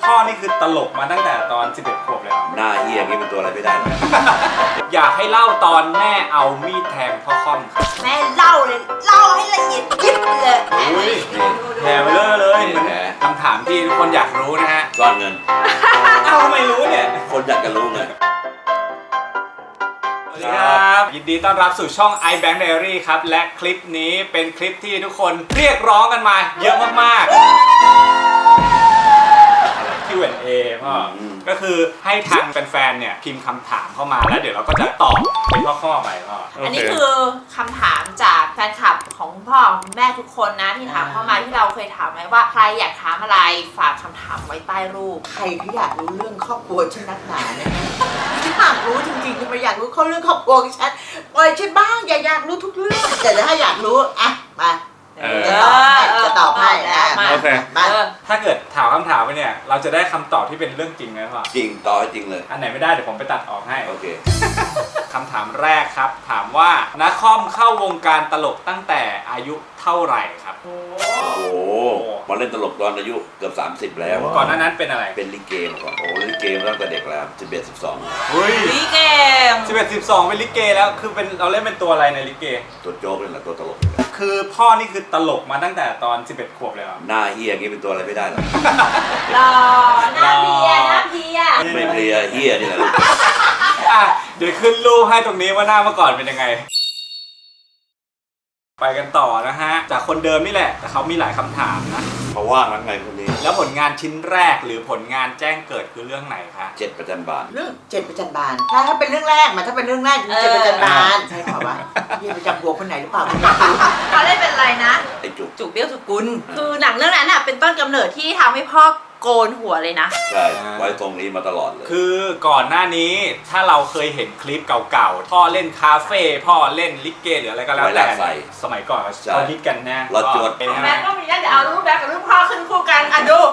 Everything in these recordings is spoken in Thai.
พ่อนี่คือตลกมาตั้งแต่ตอน11 ขวบเลยเหรอหน้าเฮียนี่เป็นตัวอะไรไม่ได้หรอกอยากให้เล่าตอนแม่เอามีดแทงพ่อค่อมครับแม่เล่าเลยเล่าให้ละเอียดยิบเลยอุ้ยนี่แผลไปเลยเหมือนแผลคำถามที่ทุกคนอยากรู้นะฮะซ่อนเงินเอ้าทำไมรู้เนี่ยคนอยากจะรู้ไงสวัสดีครับ ยินดีต้อนรับสู่ช่อง iBank Diary ครับ และคลิปนี้เป็นคลิปที่ทุกคนเรียกร้องกันมาเยอะมากๆ Q&A พ่อก็คือให้ทางแฟนๆเนี่ยพิมพ์คำถามเข้ามาแล้วเดี๋ยวเราก็จะตอบเป็นข้อๆไปพ่ออันนี้คือคำถามจากแฟนคลับของคุณพ่อคุณแม่ทุกคนนะที่ถามเข้ามาที่เราเคยถามไว้ว่าใครอยากถามอะไรฝากคำถามไว้ใต้รูปใครที่อยากรู้เรื่องครอบครัวฉันนักหนาเนี่ยฉันอยากรู้จริงๆจะไปอยากรู้เขาเรื่องครอบครัวของฉันปล่อยฉันบ้างอย่าอยากรู้ทุกเรื่องแต่ถ้าอยากรู้อ่ะมาจะตอบให้มาโอเคมาถ้าเกิดถามคำถามไปเนี่ยเราจะได้คำตอบที่เป็นเรื่องจริงไหมพ่อจริงต่อให้จริงเลยอันไหนไม่ได้เดี๋ยวผมไปตัดออกให้โอเคคำถามแรกครับ ถามว่านักคอมเข้าวงการตลกตั้งแต่อายุเท่าไหร่ครับโอ้โหมาเล่นตลกตอนอายุเกือบ30แล้วก่อนหน้านั้นเป็นอะไรเป็นลิเกมาก่อนโอ้ลิเกมาตั้งแต่เด็กแล้ว11 12 เฮ้ยวิเก่ง 11 12เป็นลิเกแล้วคือเป็นเราเล่นเป็นตัวอะไรในลิเกตัวโจ๊กเลยแหละตัวตลกคือพ่อนี่คือตลกมาตั้งแต่ตอน11 ขวบเลยเหรอหน้าเฮียนี่เป็นตัวอะไรไม่ได้หรอกรอหน้าเพียหน้าเพียไม่เพลียเฮียนี่แหละลูกอ่ะเดี๋ยวขึ้นรูปให้ตรงนี้ว่าหน้าเมื่อก่อนเป็นยังไง ไปกันต่อนะฮะจากคนเดิมนี่แหละแต่เขามีหลายคำถามนะเขาว่างนั้นไงคนนี้แล้วผลงานชิ้นแรกหรือผลงานแจ้งเกิดคือเรื่องไหนคะ 7 ประจันบานเรื่องเจ็ดประจันบานถ้าเป็นเรื่องแรกถ้าเป็นเรื่องแรกคือเจ็ดประจันบานใช่เปล่าวะพี่ไปจับหัวคนไหนหรือเปล่าไม่รู้เขาเล่นเป็นอะไรนะไอ้จุกจุกเบี้ยวสุกุลคือหนังเรื่องนั้นอ่ะเป็นต้นกำเนิดที่ทำให้พ่อโกนหัวเลยนะใช่ไว้ตรงนี้มาตลอดเลยคือก่อนหน้านี้ถ้าเราเคยเห็นคลิปเก่าๆพ่อเล่นคาเฟ่พ่อเล่นลิเกหรืออะไรก็แล้วแต่สมัยก่อนเขาฮิตกันนะรถจวดแม่ก็มีนะเดี๋ยวเอารูปแม่กับรูปพ่อขึ้นคู่กันอ่ะดู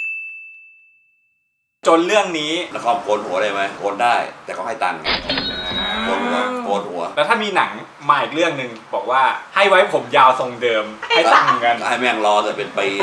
จนเรื่องนี้นครโกนหัวได้ไหมโกนได้ แต่เขาให้ตังค์โกนหัวโกนหัวแล้วถ้ามีหนังมาอีกเรื่องหนึ่งบอกว่าให้ไว้ผมยาวทรงเดิมให้ตังค์กันให้แม่งรอแต่เป็นปี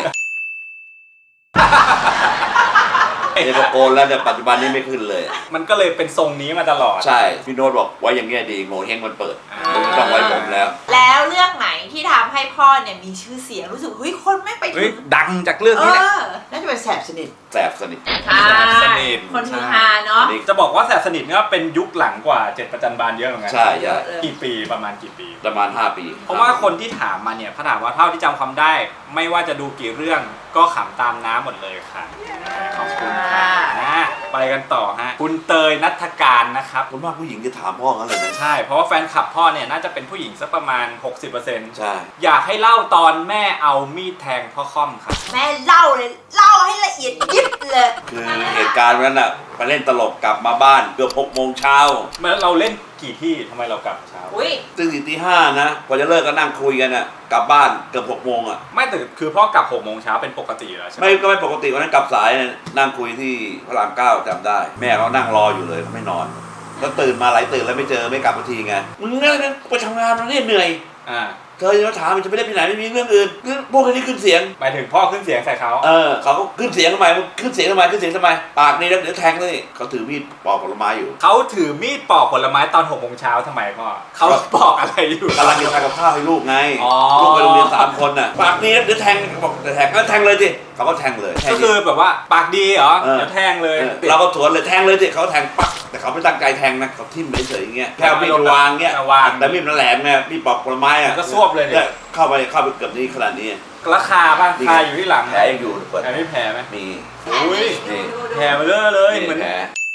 เนี่ยพอโกนแล้วเนี่ยปัจจุบันนี้ไม่ขึ้นเลยมันก็เลยเป็นทรงนี้มาตลอดใช่พี่โน้ตบอกไว้อย่างเงี้ยดีโง่เฮงมันเปิดไม่ต้องไว้ผมแล้วแล้วเรื่องไหนที่ทำให้พ่อเนี่ยมีชื่อเสียงรู้สึกเฮ้ยคนไม่ไปเฮ้ถึยงดังจากเรื่องนี้แหละน่าจะเป็นแสบสนิทแสบสนิทใช่สนิทคนฮือฮาเนาะจะบอกว่าแสบสนิทเนี่ยเป็นยุคหลังกว่า7 ประจันบานเยอะเหมือนกันใช่ใช่กี่ปีประมาณกี่ปีประมาณ5 ปีเพราะว่าคนที่ถามมาเนี่ยถ้าถามว่าเท่าที่จำความได้ ไม่ว่าจะดูกี่เรื่องก็ขำตามน้ำหมดเลยค่ะขอบคุณค่ะไปกันต่อฮะคุณเตยณัฐการนะครับคนมากผู้หญิงจะถามพ่อกันเลยนะใช่เพราะว่าแฟนคลับพ่อเนี่ยน่าจะเป็นผู้หญิงสักประมาณ 60% ใช่อยากให้เล่าตอนแม่เอามีดแทงพ่อค่อมครับแม่เล่าเลยเล่าให้ละเอียดยิบเลยคือเหตุการณ์วันนั้นอ่ะไปเล่นตลกกลับมาบ้านเกือบ6 โมงเช้าเมื่อเราเล่นกี่ที่ทำไมเรากลับเช้าอุ้ยตึ้งตี 5นะพอจะเลิกก็นั่งคุยกันอ่ะกลับบ้านเกือบ6 โมงอ่ะไม่แต่คือพ่อกลับ6 โมงเช้าเป็นปกติอยู่แล้วใช่ไหมไม่ปกติวันนั้นกลับสายนั่งคุยที่พระราม 9จำได้ แม่เขานั่งรออยู่เลยเขาไม่นอนแล้วตื่นมาหลายตื่นแล้วไม่เจอไม่กลับสักทีไงมึงเนี่ยไปทำงานมาเนี่ยเหนื่อยอ่าเธอจะมาถามมันจะไม่ได้ไปไหนไม่มีเรื่องอื่นพวกนี้ขึ้นเสียงหมายถึงพ่อขึ้นเสียงใส่เขาเขาก็ขึ้นเสียงทำไมขึ้นเสียงทำไมปากนี่แล้วเดี๋ยวแทงเลยเขาถือมีดปอกผลไม้อยู่เขาถือมีดปอกผลไม้ตอน6 โมงเช้าทำไมพ่อเขาปอกอะไรอยู่กำลังจะทำกับข้าวให้ลูกไงอ๋อลูกไปโรงเรียน3 คนน่ะปากนี้แล้วเดี๋ยวแทงบอกแทงก็แทงเลยสิเขาก็แทงเลยก็คือแบบว่าปากดีเหรอเดี๋ยวแทงเลยเราก็สวนเลยแทงเลยสิเขาแทงปักแต่เขาไม่ตั้งใจแทงนะเขาทิ่มเฉยๆอย่างเงี้ยแค่มีดวางเงี้ยแต่มีดมันแหลมไงมีดปอกผลไม้อ่ะก็ซวบเลยเนี่ยเข้าไปเกือบนี่ขนาดนี้ราคาบ้างคาอยู่ที่หลังแผลยังอยู่เปิดแผลไม่แผลไหมมีอุ้ยนี่แผลมาเลยเหมือนแผล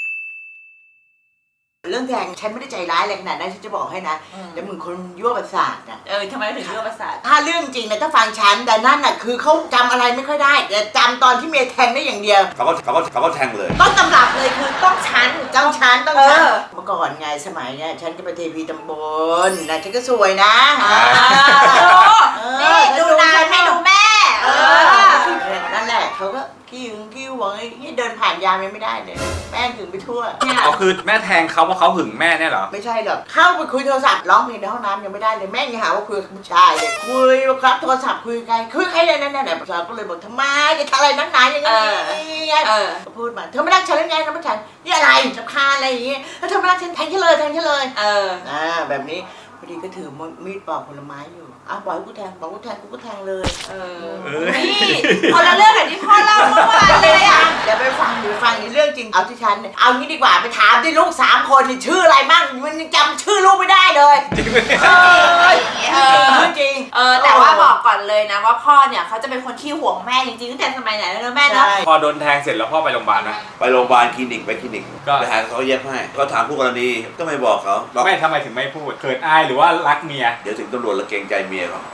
เรื่องแทงฉันไม่ได้ใจร้ายอะไรขนาดนั้นฉันจะบอกให้นะแต่มึงคนยั่วประสาทนะทำไมถึงเรื่องประสาทถ้าเรื่องจริงนะถ้าฟังฉันแต่นั่นน่ะคือเขาจำอะไรไม่ค่อยได้แต่จำตอนที่เมียแทงได้อย่างเดียวเขาก็แทงเลยต้นตำรับเลยคือต้องชั้นต้องฉันต้องฉันเออเมื่อก่อนไงสมัยเนี่ยฉันก็เป็นเทพีตำบลนะฉันก็สวยนะนี่ดูนานให้ดูแม่นั่นแหละเขาก็กิ้วหวงไอ้นี่เดินผ่านยามยังไม่ได้เลยแม่งถึงไปทั่วเนี่ยอ๋อคือแม่แทงเขาเพราะเขาหึงแม่เนี่ยเหรอไม่ใช่หรอกเข้าไปคุยโทรศัพท์ร้องเพลงในห้องน้ำยังไม่ได้เลยแม่งยังหาว่าคุยกับผู้ชายเลยคุยครับโทรศัพท์คุยใครเนี่ยผู้ชายก็เลยบอกทำไมจะทำอะไรนักหนาอย่างนี้ก็พูดมาเธอไม่รักฉันหรือไงน้องผู้ชายนี่อะไรสำคัญอะไรอย่างงี้แล้วเธอไม่รักฉันแทงฉันเลยแบบนี้พอดีก็ถือมีดปอกผลไม้อยู่บอกให้กูแทงบอกกูแทงกูก็แทงเลยนี่คนละเรื่องกับที่พ่อเล่าเมื่อวานเลยอ่ะเดี๋ยวไปฟังนี่เรื่องจริงเอาที่ฉันเนี่ยเอางี้ดีกว่าไปถามที่ลูก3 คนนี่ชื่ออะไรบ้างมันจำชื่อลูกไม่ได้เลยจริงไหมจริงแต่ว่าบอกก่อนเลยนะว่าพ่อเนี่ยเขาจะเป็นคนที่ห่วงแม่จริงๆตั้งแต่สมัยไหนแล้วนะแม่เนาะพอโดนแทงเสร็จแล้วพ่อไปโรงพยาบาลนะไปโรงพยาบาลคลินิกไปหาเขาเย็บให้ก็ถามผู้กรณีก็ไม่บอกเขาไม่ทำไมถึงไม่พูดเขินอายหรือว่ารักเมียเดี๋ยวถึงตำรวจละเกรงใจเมียเขา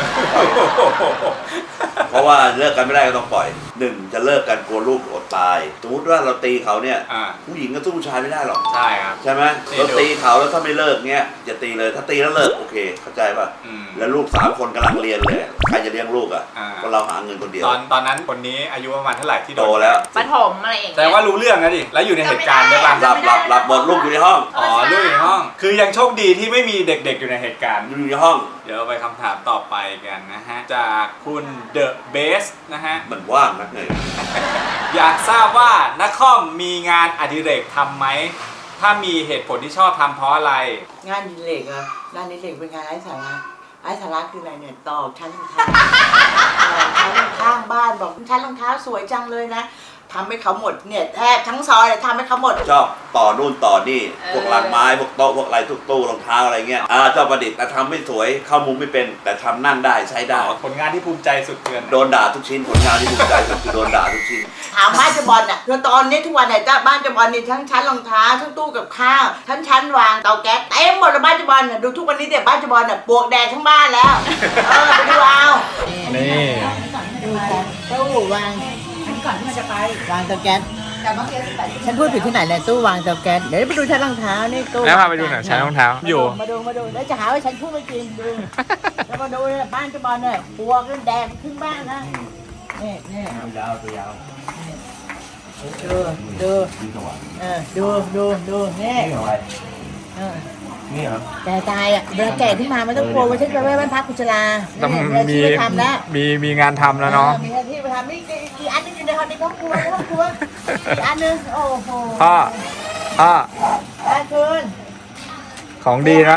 เพราะว่าเลิกกันไม่ได้ก็ต้องปล่อย1จะเลิกกันกลัวลูกอดตายสมมติว่าเราตีเขาเนี่ยผู้หญิงก็สู้ผู้ชายไม่ได้หรอกใช่ครับใช่ไหมเราตีเขาแล้วถ้าไม่เลิกเงี้ยอย่าตีเลยถ้าตีแล้วเลิกโอเคเข้าใจป่ะแล้วลูก3 คนกำลังเรียนเลยใครจะเลี้ยงลูกอ่ะก็เราหาเงินคนเดียวตอนนั้นคนนี้อายุประมาณเท่าไหร่ที่โตแล้วประถมอะไรอย่างเงี้ยแต่ว่ารู้เรื่องนะดิแล้วอยู่ในเหตุการณ์ด้วยป่ะหลับหมดลูกอยู่ในห้องลูกอยู่ในห้องคือยังโชคดีที่ไม่มีเด็กๆอยู่ในเหตุการณ์อยู่ในห้องเดี๋ยวไปคำถามต่อไปกันนะฮะจากคุณเดอะเบสนะฮะมันว่างนักไงอยากทราบว่านักคอมมีงานอดิเรกทำไหมถ้ามีเหตุผลที่ชอบทำเพราะอะไรงานอดิเรกอะงานอดิเรกเป็นงานไร้สาระคืออะไรเนี่ยตอกชั้นรองเท้าข้างบ้านบอกชั้นรองเท้าสวยจังเลยนะทำให้เขาหมดเนี่ยแทบทั้งซอยเลยทำให้เขาหมดชอบต่อนู่นต่อนี่พวกลังไม้พวกโต๊ะพวกอะไรทุกตู้รองเท้าอะไรเงี้ยชอบประดิษฐ์แต่ทำไม่สวยเข้ามุมไม่เป็นแต่ทำนั่งได้ใช้ได้ผลงานที่ภูมิใจสุดเกินโดนด่าทุกชิ้นผลงานที่ภูมิใจสุดคือโดนด่าทุกชิ้นถามบ้านจะบอลน่ะคือตอนนี้ทุกวันเนี่ยบ้านจะบอลนี่ทั้งชั้นรองเท้าทั้งตู้กับข้าวทั้งชั้นวางเตาแก๊สเต็มหมดเลยบ้านจะบอลน่ะดูทุกวันนี้เด็กบ้านจะบอลน่ะปลวกแดงทั้งบ้านแล้วไปดูเอานี่ดูตู้วางก่อนที่มันจะไปวางเตาแก๊สฉันพูดผิดที่ไหนเนี่ยตู้วางเตาแก๊สเดี๋ยวไปดูชั้นรองเท้านี่ตู้แล้วพาไปดูหน่อยชั้นรองเท้าอยู่มาดูแล้วจะหาว่าฉันพูดไม่จริงดูแล้วมาดูเนี่ยบ้านจะบอลเนี่ยปลวกแดงขึ้นบ้านนะนี่ยาวตัวยาวดูนี่นี่เหรอแก่ตายอ่ะเวลาแก่ขึ้นมาไม่ต้องกลัวว่าฉันไปบ้านพักกุศลามีทำแล้วมีงานทำแล้วเนาะมีหน้าที่ไปทำนี่อีกอันนึงอยู่ในห้องในครอบครัวอีกอันนึงโอ้โหพ่อคืนของดีนะ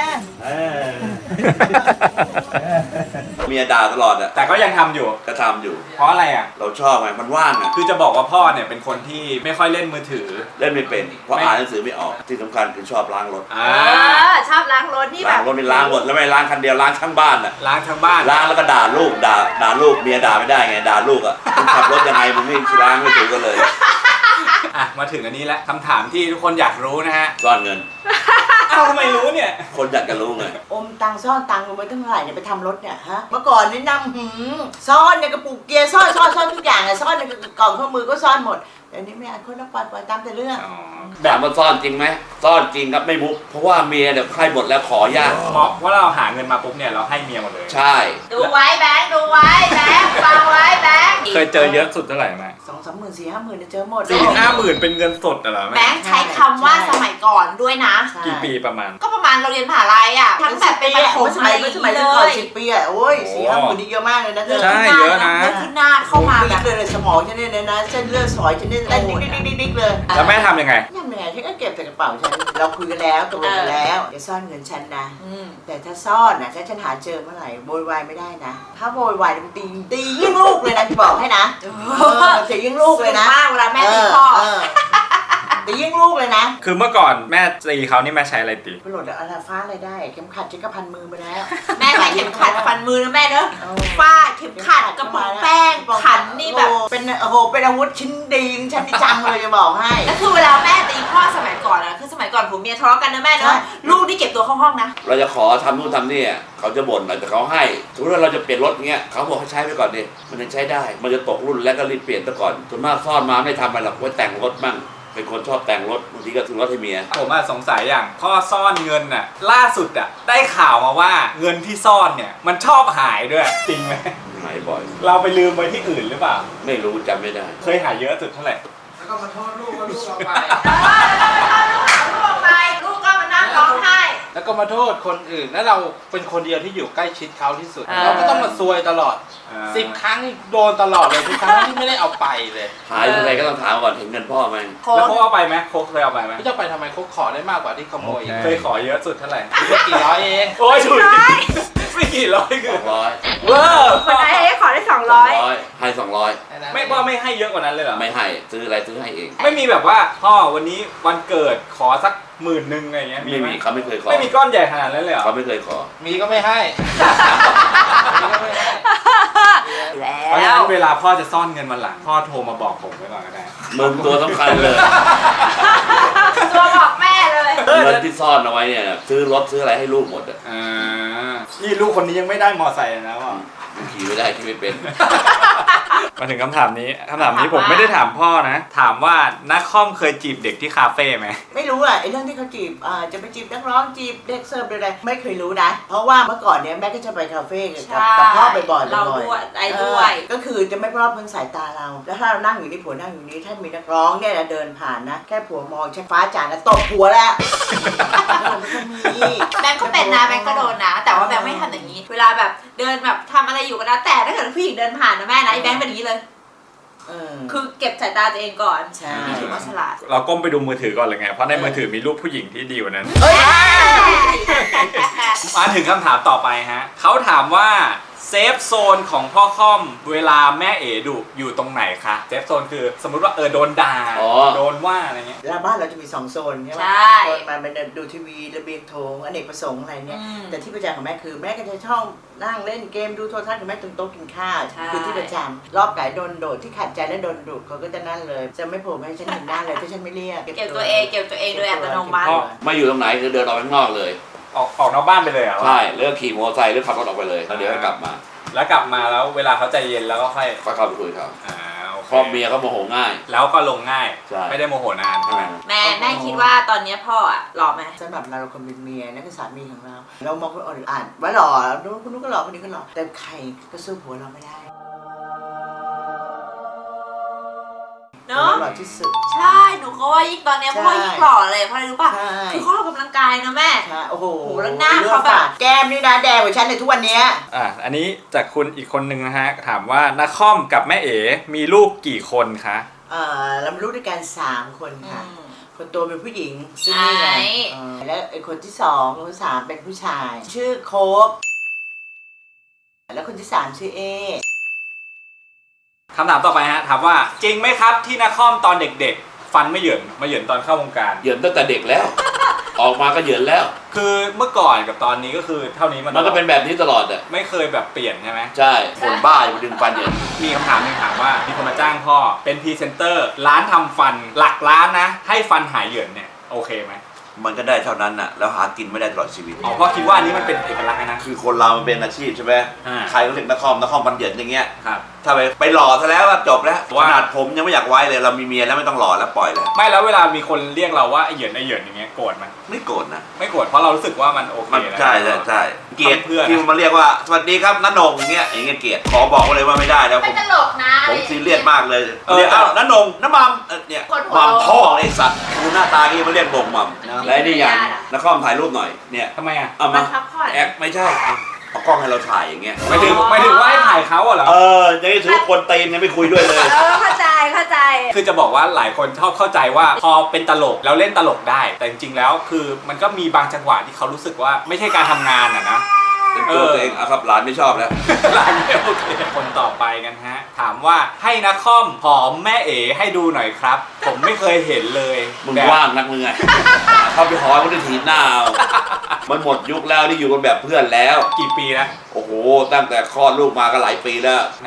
เมียด่าตลอดอ่ะแต่ก็ยังทำอยู่ก็ทำอยู่เพราะอะไรอ่ะเราชอบไงมันว่างอ่ะคือจะบอกว่าพ่อเนี่ยเป็นคนที่ไม่ค่อยเล่นมือถือเล่นไม่เป็นเพราะอ่านหนังสือไม่ออกที่สำคัญคือชอบล้างรถชอบล้างรถนี่แบบล้างรถนี่ล้างหมดแล้วไม่ล้างคันเดียวล้างทั้งบ้านอ่ะล้างทั้งบ้านล้างแล้วก็ด่าลูกด่าลูกเมียด่าไม่ได้ไงด่าลูกอ่ะขับรถยังไงมึงไม่ล้างไม่ถูกกันเลยมาถึงอันนี้แล้วคำถามที่ทุกคนอยากรู้นะฮะซ่อนเงินทำไมรู้เนี่ยคนอยากจะรู้ไงอมตังซ่อนตังลงไปตั้งเท่าไหร่เนี่ยไปทำรถเนี่ยฮะเมื่อก่อนนี่นำซ่อนในกระปุกเกียร์ซ่อนทุกอย่างเลยซ่อนในกล่องข้อมือก็ซ่อนหมดแต่นี้ไม่อ่านคนละปล่อยตามแต่เรื่องแบบมันซ่อนจริงไหมซ่อนจริงครับไม่มุกเพราะว่าเมียเดี๋ยวให้หมดแล้วขอยากเพราะเราหาเงินมาปุ๊บเนี่ยเราให้เมียหมดเลยใช่ดูไว้แบงค์ฟังไว้แบงค์เคยเจอเยอะสุดเท่าไหร่ไหม 2-3 หมื่น4-5 หมื่นเจอหมด 4-5 หมื่นเป็นเงินสดเหรอแบงค์ใช้คำว่าสมัยก่อนด้วยนะกี่ปีประมาณก็ประมาณเราเรียนมหาลัยอ่ะทั้งแบบเป็นประถมสมัยก่อน10 ปีอ่ะโอ้ย4-5 หมื่นนี่เยอะมากเลยนะใช่เยอะนะที่หน้าเข้ามาแบบเลยสมองฉันเนี่ยนะเส้นเลือดฝอยฉันเนี่ยเต้นดิ๊กเลยแล้วแม่ทำยังไงฉันก็เก็บใส่กระเป๋าฉันเราคุยกันแล้วตกลงกันแล้วอย่าซ่อนเงินฉันนะแต่ถ้าซ่อนนะถ้าฉันหาเจอเมื่อไหร่โวยวายไม่ได้นะถ้าโวยวายมันตียิ่งลูกเลยนะจะบอกให้นะจะยิ่งลูกเลยนะเวลาแม่ตีพ่อแต่ยิ่งลูกเลยนะคือเมื่อก่อนแม่ตีเขานี่แม่ใช้อะไรตีไปโหลดอะไรฟ้าอะไรได้เข็มขัดฉันก็พันมือไปแล้วแม่ใช้เข็มขัดพันมือนะแม่เนอะฟ้าเข็มขัดกระป๋องแป้งขันนี่แบบเป็นเป็นอาวุธชิ้นดีฉันที่จำเลยจะบอกให้แล้วคือเวลาแม่ตีพ่อสมัยก่อนนะคือสมัยก่อนผมเมียทะเลาะกันนะแม่เนอะลูกที่เก็บตัวเข้าห้องนะเราจะขอทำนู่นทำนี่เขาจะบ่นแต่เขาให้สมมติว่าเราจะเปลี่ยนรถเงี้ยเขาบอกให้ใช้ไปก่อนดิมันยังใช้ได้มันจะตกรุ่นแล้วก็รีบเปลี่ยนซะก่อนส่วนมากซ่อนมาไม่ทำอะไรหรอกไว้แต่งรถมั่งเป็นคนชอบแต่งรถบางทีก็ซื้อรถให้เมียผมสงสัยอย่างพ่อซ่อนเงินน่ะล่าสุดได้ข่าวมาว่าเงินที่ซ่อนเนี่ยมันชอบหายด้วยจริงไหมหายบ่อยเราไปลืมไปที่อื่นหรือเปล่าไม่รู้จำไม่ได้เคยหายเยอะสุดเท่าไหร่แล้วก็มาโทษลูกว่าลูกเอาไปลูกไปลูกก็มานั่งร้องไห้แล้วก็มาโทษคนอื่น แล้วเราเป็นคนเดียวที่อยู่ใกล้ชิดเขาที่สุดอ่าเราก็ต้องมาซวยตลอด 10 ครั้งโดนตลอดเลยทุกครั้งที่ไม่ได้เอาไปเลยหายอะไรก็ต้องถามก่อนเห็นเงินพ่อไหมแล้วเขาเอาไปไหมโคกเคยเอาไปไหมไม่จะไปทำไมเขาขอได้มากกว่าที่ขโมยอีกเคยขอเยอะสุดเท่าไหร่ไม่กี่ร้อยเองโอ้ยฉุยไม่กี่ร้อยคือ 200 เวอร์คนไหนขอได้200 ให้200 ไม่ว่าไม่ให้เยอะกว่านั้นเลยเหรอไม่ให้ซื้ออะไรซื้อให้เองไม่มีแบบว่าพ่อวันนี้วันเกิดขอสัก10,000อะไรเงี้ยไม่ไหมีเขาไม่เคยขอไม่มีก้อนใหญ่ขนาดนั้นเลยเหรอเขาไม่เคยขอมีก็ไม่ให้มีก็ไม่ให้เพราะฉะแล้นั้วนเวลาพ่อจะซ่อนเงินวันหลังพ่อโทรมาบอกผมไว้ก่อนก็ได้มึงตัวสำคัญเลยตัวบอกแม่เลยเงินที่ซ่อนเอาไว้เนี่ยซื้อรถซื้ออะไรให้ลูกหมดอ่ะนี่ลูกคนนี้ยังไม่ได้มอไซค์เลยนะพ่อมึงขี่ไม่ได้ขี่ไม่เป็นมาถึงคำถามนี้ผมไม่ได้ถามพ่อนะ ถามว่านักคอมเคยจีบเด็กที่คาเฟ่ไหมไม่รู้อ่ะไอ้เรื่องที่เขาจีบจะไปจีบนักร้องจีบเด็กเสิร์ฟอะไรไม่เคยรู้นะ เพราะว่าเมื่อก่อนเนี้ยแม่ก็จะไปคาเฟ่กับพ่อบ่อยๆเราด้วยไอ้ด้วยก็คือจะไม่รอบเพิ่งสายตาเรา แล้วถ้าเรานั่งอยู่นี่ผัวนั่งอยู่นี่ถ้ามีนักร้องเนี่ยนะเดินผ่านนะแค่ผัวมองชักฟ้าจานแล้วตบผัวแล้วมีแบงก์ก็เป็นนะแบงก์ก็โดนนะ แต่ว่าแบงก์ไม่ทำอย่างนี้ เวลาแบบเดินแบบทำอะไรอยู่ก็แล้วแต่ถ้าเกิดผู้หญิงเดินผ่านนะแม่นะไอ้แบงก์เป็นอย่างนี้เลย คือเก็บสายตาตัวเองก่อนใช่นี่ถือว่าฉลาดเราก้มไปดูมือถือก่อนเลยไง เพราะในมือถือมีรูปผู้หญิงที่ดีกว่านั้นเฮ้ยมาถึงคำถามต่อไปฮะเขาถามว่าเซฟโซนของพ่อค่อมเวลาแม่เอ๋ดุอยู่ตรงไหนคะเซฟโซนคือสมมุติว่าโดนด่าอ๋อโดนว่าอะไรเงี้ยแล้วบ้านเราจะมี2 โซนใช่ไหมใช่โซนมันดูทีวีระเบียงโถงอเนกประสงค์อะไรเนี่ยอืมแต่ที่ประจำของแม่คือแม่ก็จะชอบนั่งเล่นเกมดูโทรทัศน์กับแม่ตรงโต๊ะกินข้าวใช่คือที่ประจำรอบไก่โดนโดดที่ขัดใจและโดนดุเขาก็จะนั่นเลย จะไม่โผล่มาให้ฉันเห็นหน้าเลยถ้าฉันไม่เรียกเก็บตัวเองโดยอัตโนมัติไม่อยู่ตรงไหนคือเดินออกไปข้างนอกเลยออกนอกบ้านไปเลยเหรอใช่เลิกขี่มอเตอร์ไซค์หรือขับรถออกไปเลยแล้วเดี๋ยวก็กลับมาแล้วกลับมาแล้วเวลาเขาใจเย็นแล้วก็ค่อยก็เข้าไปคุยกับเขาโอเคเพราะเมียเขาโมโหง่ายแล้วก็ลงง่ายใช่ไม่ได้โมโหนานใช่ไหมแม่คิดว่าตอนนี้พ่ออะหล่อไหมสำหรับเราคนเป็นเมียนั่นคือสามีของเรา เรามองคนอื่นอ่านว่าหล่อคนนู้นก็หล่อคนนี้ก็หล่อแต่ใครก็สู้ผัวเราไม่ได้เนาะหล่อที่สุดใช่หนูก็ว่ายิ่งตอนเนี้ยพ่อยิ่งหล่อเลยเพราะอะไรรู้ป่ะใช่คือเขาออกกำลังกายนะแม่ใช่โอ้โหโอ้โหแล้วหน้าเขาแบบแก้มนี่นะแดงกว่าฉันในทุกวันเนี้ยอันนี้จากคุณอีกคนนึงนะฮะถามว่านักคอมกับแม่เอ๋มีลูกกี่คนคะเรามีลูกด้วยกัน3 คนค่ะอืมคนโตเป็นผู้หญิงซึ่งนี่ไงไอ้และไอ้คนที่2คนที่3เป็นผู้ชาย ชื่อโคกแล้วคนที่3ชื่อเอคำถามต่อไปฮะถามว่าจริงไหมครับที่นักคอมตอนเด็กๆ ฟันไม่เหยินมาเหยินตอนเข้าวงการเหยินตั้งแต่เด็กแล้ว ออกมาก็เหยินแล้วคือเมื่อก่อนกับตอนนี้ก็คือเท่านี้มันก็เป็นแบบนี้ตลอดอ่ะไม่เคยแบบเปลี่ยนใช่ไหมใช่คนบ้าอย่ามาดึงฟันเหยินมีคำถามหนึงถามว่ามีคนมาจ้างพ่อเป็นพรีเซนเตอร์ร้านทำฟันหลักล้านนะ ให้ฟันหายเหยินเนี่ยโอเคไหมมันก็ได้เท่านั้นน่ะแล้วหากินไม่ได้ตลอดชีวิตอ๋อพ่อคิดว่าอันนี้มันเป็นเอกลักษณ์นะคือคนเรามันเป็นอาชีพใช่ไหมอ่าใครก็เรียกนักคอมบันเหยินอย่างเงี้ยครับถ้าไปหล่อซะแล้วก็จบแล้วว่าขนาดผมยังไม่อยากไว้เลยเรามีเมียแล้วไม่ต้องหล่อแล้วปล่อยแล้วไม่แล้วเวลามีคนเรียกเราว่าไอเหยินอย่างเงี้ยโกรธไหมไม่โกรธนะไม่โกรธเพราะเรารู้สึกว่ามันโอเคมันแล้วใช่เกลียดเพื่อนที่มันมาเรียกว่าสวัสดีครับน้านงอย่างเงี้ยเกลียดขอบอกไว้เลยว่าไม่ได้แล้วเป็นตลกนะอะผไรมอย่างซีงี้เรียสมากเลยเรียกน้านงน้ามัมเนี่ยคนหัวมัมพ่อไอ้สัตว์ดูหน้าตางี้มาเรียกบ่งมัมเนอะและไอ้นี่อย่างนักคอมถ่ายรูปหน่อยเนี่ยทำไมอ่ะเอามัมานพักผ่อนแอคไม่ใช่เอากล้องให้เราถ่ายอย่างเงี้ยไม่ถึงว่าให้ถ่ายเขาอะเหรอยังถือว่าคนตีนยังไม่คุยด้วยเลยเข้าใจคือจะบอกว่าหลายคนชอบเข้าใจว่าพอเป็นตลกแล้วเล่นตลกได้ แต่จริงๆแล้วคือมันก็มีบางจังหวะที่เขารู้สึกว่าไม่ใช่การทำงานอะนะเป็นตัวตัวเองครับหลานไม่ชอบแล้วหลานไม่โอเคคนต่อไปกันฮะ ถามว่าให้นักคอมหอมแม่เอ๋ให้ดูหน่อยครับ ผมไม่เคยเห็นเลยมึงแบบว่างนักมึงไง เข้าไปหอยมันจะถีบหน้าเอามันหมดยุคแล้วที่อยู่กันแบบเพื่อนแล้วกี่ปีนะโอ้โห ตั้งแต่คลอดลูกมาก็หลายปีแล้วนะ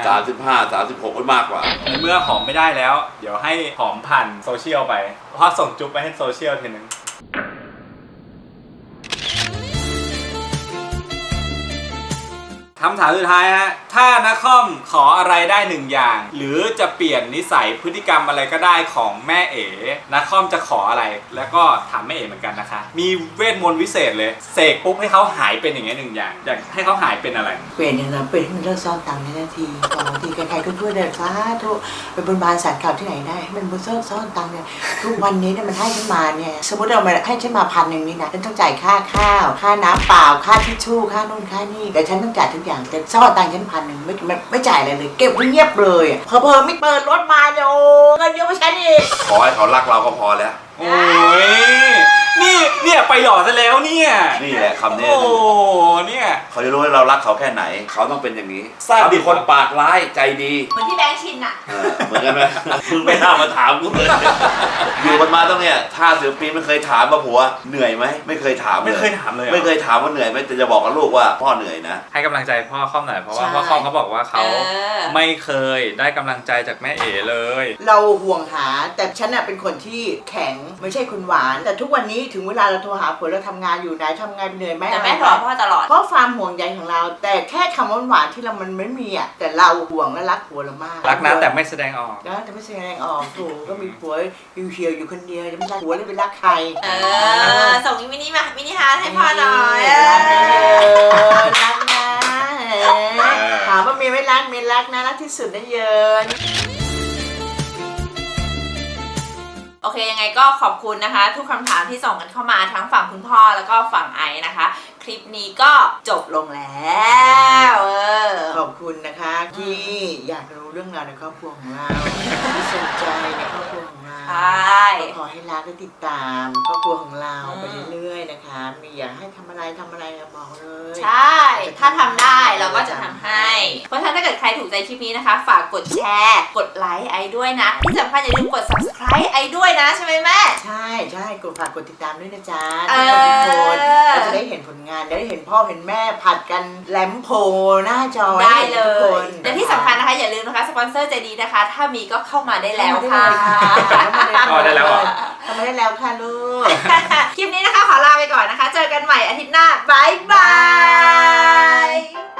35 36ก็มากกว่าในเมื่อหอมไม่ได้แล้ว เดี๋ยวให้หอมผ่านโซเชียลไปเพราะส่งจุ๊บไปให้โซเชียลทีนึงถคำถามสุดท้ายฮะถ้านักคอมขออะไรได้หนึ่งอย่าง หรือจะเปลี่ยนนิสัยพฤติกรรมอะไรก็ได้ของแม่เอ๋นักคอมจะขออะไรแล้วก็ถามแม่เอ๋เหมือนกันนะคะมีเวทมนต์วิเศษเลยเสกปุ๊บให้เขาหายเป็นอย่างเงี้ยหนึ่งอย่างอยากให้เขาหายเป็นอะไรเปลี่ยนอย่างนั้นเปลี่ยนให้มันเลิกซ่อนตังค์ในนาทีต่อทีใครๆก็ช่วยเดินสาธุไปบนบานสารกล่าวที่ไหนได้ให้มันเลิกซ่อนตังค์เนี่ยทุกวันนี้เนี่ยมันให้ฉันมาเนี่ยสมมติเรามาให้ฉันมา1,000นี่นะฉันต้องจ่ายค่าข้าวค่าน้ำเปล่าค่าทิชชู่ค่านู่นค่านี่แต่ฉันต้องจ่ายทุกอย่างแต่ซ่อนตังค์ฉัน1,000ไม่จ่ายอะไรเลยเก็บไว้เงียบเลยเพอไม่เปิดรถมาเนี่ยโอ้เงินเยอะกว่าฉันอีกขอให้เขารักเราก็พอแล้วโอ้ยเนี่ยไปหล่อซะแล้วเนี่ยนี่แหละคำนี้โอ้เนี่ยเขาจะรู้ว่าเรารักเขาแค่ไหน เขาต้องเป็นอย่างนี้ทราบเขาเป็นคนปากร้ายใจดีเหมือนที่แบงค์ชินอะเหมือนกันไหมมึงไม่น่ามาถามกูเลยอยู่กันมาต้องเนี่ยถ้า10 ปีไม่เคยถามว่าผัวเหนื่อยไหมไม่เคยถามเลยไม่เคยถามเลยหรอไม่เคยถามว่าเหนื่อยไหมแต่จะบอกกับลูกว่าพ่อเหนื่อยนะให้กำลังใจพ่อคอมหน่อยเพราะว่าใช่พ่อคอมเขาบอกว่าเขาเออไม่เคยได้กำลังใจจากแม่เอ๋เลยเราห่วงหาแต่ฉันน่ะเป็นคนที่แข็งไม่ใช่คนหวาน แต่ทุกวันนี้ถึงเวลาเราโทรหาผัวเราทำงานอยู่ไหนทำงานเหนื่อยไหมแต่อะไรแม่ไหถอพ่อตลอดเพราะความห่วงใยของเรา แต่แค่คำหวานๆที่เรามันไม่มีอ่ะแต่เราห่วงและรักผัวเรามากรักนะแต่ไม่แสดงออกนะแต่ไม่แสดงออกถูกก็มีผัวเหี่ยวๆอยู่คนเดียวจะไม่รักผัวเลยไปรักใครส่งมินิฮาร์ทให้พ่อหน่อยรักนะถามว่ามีไม่รักมีรักนะรักที่สุดนะเยินโอเคยังไงก็ขอบคุณนะคะ ทุกคำถามที่ส่งกันเข้ามาทั้งฝั่งคุณพ่อแล้วก็ฝั่งไอซ์นะคะ คลิปนี้ก็จบลงแล้วขอบคุณนะคะที่อยากรู้เรื่องราวในครอบครัวของเราที่สนใจในครอบครัวของเราใช่ก็ขอให้รักและติดตามครอบครัวของเราไปเรื่อยๆนะคะมีอยากให้ทำอะไรก็บอกเลยใช่ ถ้าทำได้เราก็จะทำให้ เพราะฉะนั้นถ้าเกิดใครถูกใจคลิปนี้นะคะ ฝากกดแชร์กดไลค์ไอด้วยนะที่สำคัญอย่าลืมกด subscribe ไอด้วยนะใช่ไหมแม่ใช่ฝากกดติดตามด้วยนะจ๊ะเอทุกอคนเราจะได้เห็นผลงานได้เห็นพ่อเห็นแม่ผัดกันแลมโพหน้าจอได้เลทุกคยนและที่สำคัญนะคะอย่าลืมนะคะสปอนเซอร์ใจดีนะคะ ถ้ามีก็เข้ามาได้แล้วค่ะอ๋อได้แล้วเหรอทำมาได้แล้วค่ะลูกคลิปนี้นะคะขอลาไปก่อนนะคะ เจอกันใหม่อาทิตย์หน้าบายบาย